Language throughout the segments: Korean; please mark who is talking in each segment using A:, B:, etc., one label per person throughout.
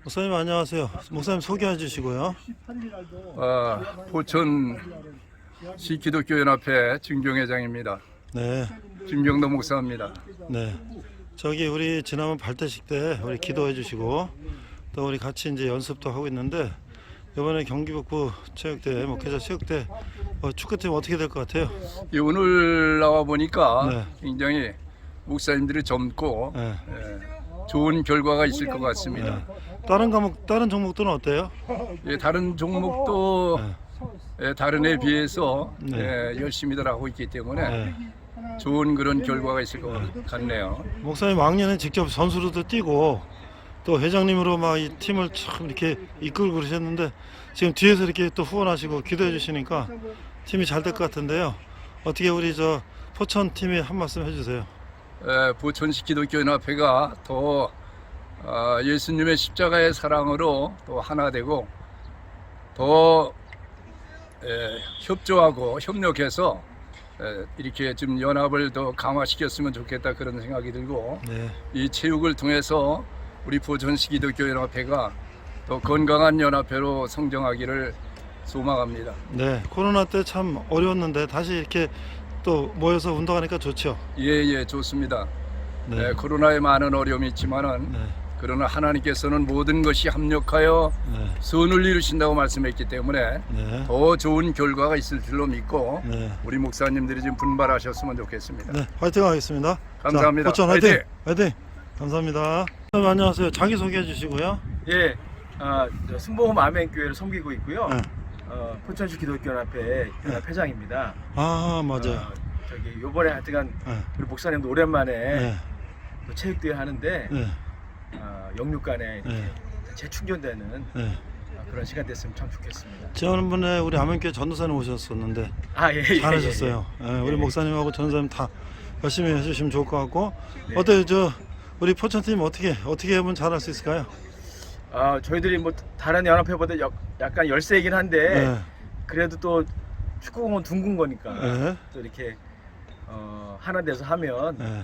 A: 목사님 안녕하세요. 목사님 소개해 주시고요.
B: 포천시 기독교연합회 증경회장입니다.
A: 네,
B: 김경도 목사입니다.
A: 네. 저기 우리 지난번 발대식 때 우리 기도해 주시고 또 우리 같이 이제 연습도 하고 있는데 이번에 경기북부 체육대 목회자 체육대 축구팀 어떻게 될 것 같아요?
B: 오늘 나와 보니까
A: 네.
B: 굉장히 목사님들이 젊고
A: 네.
B: 좋은 결과가 있을 것 같습니다.
A: 다른 종목들은 어때요?
B: 다른 종목도 다른 에 비해서
A: 네.
B: 열심히들 하고 있기 때문에
A: 네.
B: 좋은 그런 결과가 있을 것 같네요.
A: 목사님 왕년에 직접 선수로도 뛰고 또 회장님으로 막 이 팀을 참 이렇게 이끌고 그러셨는데 지금 뒤에서 이렇게 또 후원하시고 기도해 주시니까 팀이 잘 될 것 같은데요. 어떻게 우리 저 포천 팀에 한 말씀 해주세요.
B: 포천시 기독교연합회가 더 예수님의 십자가의 사랑으로 또 하나 되고 더 협조하고 협력해서 이렇게 좀 연합을 더 강화시켰으면 좋겠다 그런 생각이 들고
A: 네.
B: 이 체육을 통해서 우리 포천시 기독교연합회가 더 건강한 연합회로 성장하기를 소망합니다.
A: 네. 코로나 때 참 어려웠는데 다시 이렇게 또 모여서 운동하니까 좋죠.
B: 예, 좋습니다.
A: 네.
B: 코로나에 많은 어려움이 있지만은
A: 네.
B: 그러나 하나님께서는 모든 것이 합력하여
A: 네.
B: 선을 이루신다고 말씀했기 때문에
A: 네.
B: 더 좋은 결과가 있을 줄로 믿고
A: 네.
B: 우리 목사님들이 좀 분발하셨으면 좋겠습니다.
A: 네. 화이팅 하겠습니다.
B: 감사합니다.
A: 자, 포천 화이팅! 화이팅! 감사합니다. 안녕하세요. 자기 소개해 주시고요.
C: 예, 저 승봉홈 아멘교회를 섬기고 있고요.
A: 네.
C: 포천시 기독교연합회 연합회장입니다.
A: 아, 맞아요.
C: 저기 요번에 하여튼간
A: 네.
C: 우리 목사님도 오랜만에
A: 네.
C: 또 체육대회 하는데
A: 네.
C: 영육간에 이렇게
A: 네.
C: 재충전되는
A: 네.
C: 그런 시간 됐으면 참 좋겠습니다.
A: 지난번에 우리 아멘교회 전도사님 오셨었는데
C: 예.
A: 잘하셨어요. 우리
C: 예.
A: 목사님하고 전도사님 다 열심히 해주시면 좋을 것 같고
C: 네.
A: 어때요? 저 우리 포천팀 어떻게 하면 잘할 수 있을까요?
C: 저희들이 뭐 다른 연합회보다 약간 열세이긴 한데
A: 네.
C: 그래도 또 축구공은 둥근 거니까
A: 네.
C: 또 이렇게 하나 돼서 하면
A: 네.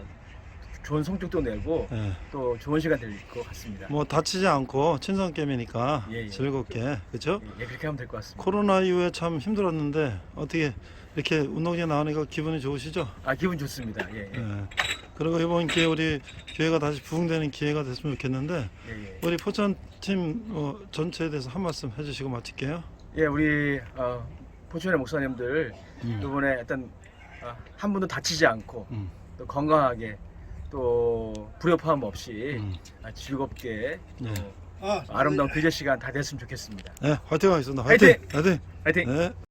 C: 좋은 성적도 내고
A: 네.
C: 또 좋은 시간 될 것 같습니다.
A: 뭐 다치지 않고 친선 게임이니까
C: 예.
A: 즐겁게 그렇죠?
C: 예, 그렇게 하면 될 것 같습니다.
A: 코로나 이후에 참 힘들었는데 어떻게 이렇게 운동장에 나오니까 기분이 좋으시죠?
C: 기분 좋습니다. 예.
A: 네. 그리고 이번 기회에 우리 교회가 다시 부흥되는 기회가 됐으면 좋겠는데
C: 예.
A: 우리 포천 팀 전체에 대해서 한 말씀 해주시고 마칠게요.
C: 예, 우리 포천의 목사님들 이번에 일단 한 분도 다치지 않고 또 건강하게 또 불협화음 없이 즐겁게
A: 네.
C: 아름다운 교제 시간 다 됐으면 좋겠습니다.
A: 네, 화이팅 하겠습니다.
C: 화이팅!
A: 화이팅!
C: 화이팅!
A: 네.